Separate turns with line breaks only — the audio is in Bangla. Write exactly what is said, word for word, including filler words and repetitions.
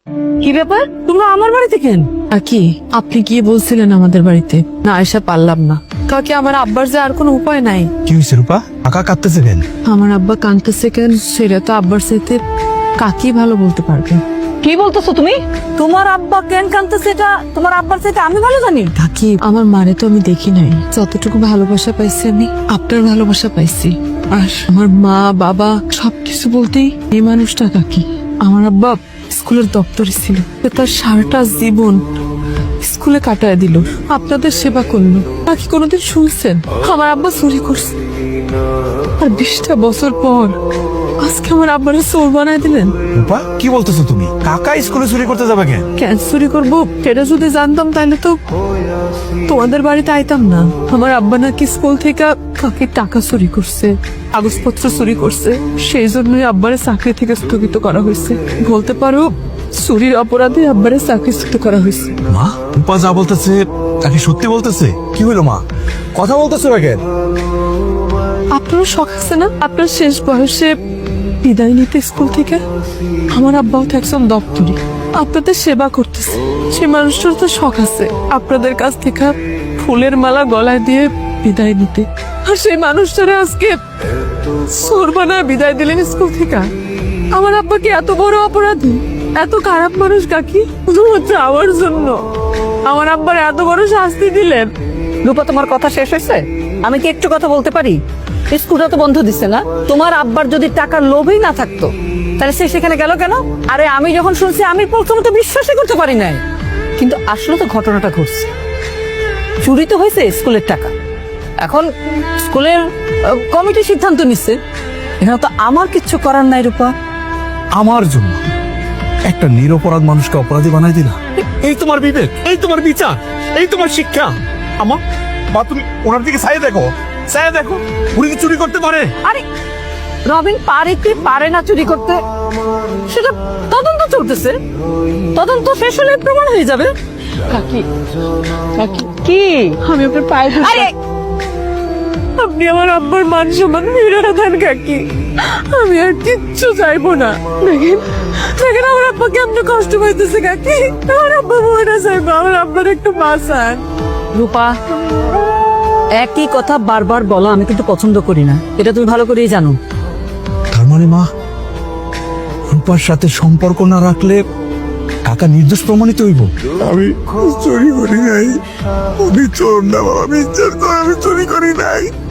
কি ব্যাপার, তোমরা আমার বাড়িতে কেন?
কি আপনি গিয়ে বলছিলেন আমাদের বাড়িতে, না এসে পারলাম না। কাকি আমার আব্বার যে আর কোনো উপায় নাই।
কি হয়েছে রূপা? কাকা কাঁদতেছে কেন?
আমার আব্বা কাঁদতেছে কেন সেটা তো আব্বার সাথে কাকি ভালো বলতে পারবে।
কি বলতেছো তুমি? তোমার আব্বা কেন কাঁদতেছে এটা তোমার আব্বার থেকে আমি ভালো জানি।
কাকি আমার মারে তো আমি দেখি নাই, যতটুকু ভালোবাসা পাইছি আমি আপনার ভালোবাসা পাইছি। আর আমার মা বাবা সবকিছু বলতেই এই মানুষটা কাকি। আমার আব্বা স্কুলের দপ্তরে ছিল, তার সারাটা জীবন স্কুলে কাটায় দিল, আপনাদের সেবা করলো। বাকি কোনোদিন শুনছেন আমার আব্বা চুরি করছে? আর বিশটা বছর পর আজকে আমার আব্বারে চোর বানায় দিলেন।
রূপা কি বলতেছো তুমি? কাকা স্কুলে চুরি করতে যাবে কেন?
কেন চুরি করবো সেটা যদি জানতাম তাহলে তো তোমাদের বাড়িতে আইতাম না। আমার আব্বা নাকি স্কুল থেকে কাকির টাকা চুরি করছে, কাগজপত্র চুরি করছে, সেই জন্যই আব্বারে চাকরি থেকে স্থগিত করা হয়েছে। বলতে পারো চুরির অপরাধে আব্বারে চাকরিচ্যুত করা হয়েছে।
মা রূপা যা বলতেছে তাকে সত্যি বলতেছে? কি হলো মা, কথা বলতেছো না কেন?
আপনারও শখ আছে না আপনার শেষ বয়সে বিদায় নিতে স্কুল থেকে? আমার আব্বাও তো একজন দপ্তরি, আপনাদের সেবা করতেছে। সে মানুষটার তো শখ আছে আপনাদের কাছ থেকে ফুলের মালা গলায় দিয়ে বিদায় নিতে। আর সেই মানুষটারে আজকে চোর বানায় বিদায় দিলেন স্কুল থেকে। আমার আব্বা কি এত বড় অপরাধী, এত খারাপ মানুষ কাকি? শুধুমাত্র আমার জন্য আমার আব্বার এত বড় শাস্তি দিলেন।
রূপা, তোমার কথা শেষ হয়েছে? আমি কি একটু কথা বলতে পারি? স্কুলটা তো বন্ধ দিচ্ছে না। তোমার আব্বার যদি টাকার লোভই না থাকতো তাহলে সে সেখানে গেল কেন? আরে আমি যখন শুনছি আমি প্রথমে তো বিশ্বাসই করতে পারি নাই, কিন্তু আসলে তো ঘটনাটা ঘটছে। চুরি তো হয়েছে স্কুলের টাকা, এখন স্কুলের কমিটি সিদ্ধান্ত নিচ্ছে। এখানে তো আমার কিচ্ছু করার নাই রূপা।
আমার জন্য একটা নিরপরাধ মানুষকে অপরাধী বানাই দিলা? এই তোমার বিবেক, এই তোমার বিচার, এই তোমার শিক্ষা? আমার বা তুমি ওনার দিকে চাইয়ে দেখো, চাইয়ে দেখো, উনি কি চুরি করতে পারে?
আরে রবিন পারে কি পারে না চুরি করতে সেটা তদন্ত চলতেছে, তদন্ত শেষ হলে প্রমাণ হয়ে যাবে।
কাকি কাকি
কি?
আমি আপনার পায়ে ধরছি।
আরে
আপনি আমার আব্বার মান সম্মান ফিরে দেন কাকি, আমি আর কিচ্ছু চাইবো না। দেখেন দেখেন আমার আব্বা কেমন কষ্ট পাইতেছে কাকি। আমার আব্বা মরে চাইবো, আমার আব্বার একটু বাঁচান।
রূপা, একই কথা বারবার বলা আমি কিন্তু পছন্দ করি না, এটা তুমি ভালো করেই জানো।
তার মানে মা রূপার সাথে সম্পর্ক না রাখলে কাকা নির্দোষ প্রমাণিত হইব? আমি চুরি করি নাই, আমি চোর না বাবা, আমি চোর, আমি চুরি করি নাই।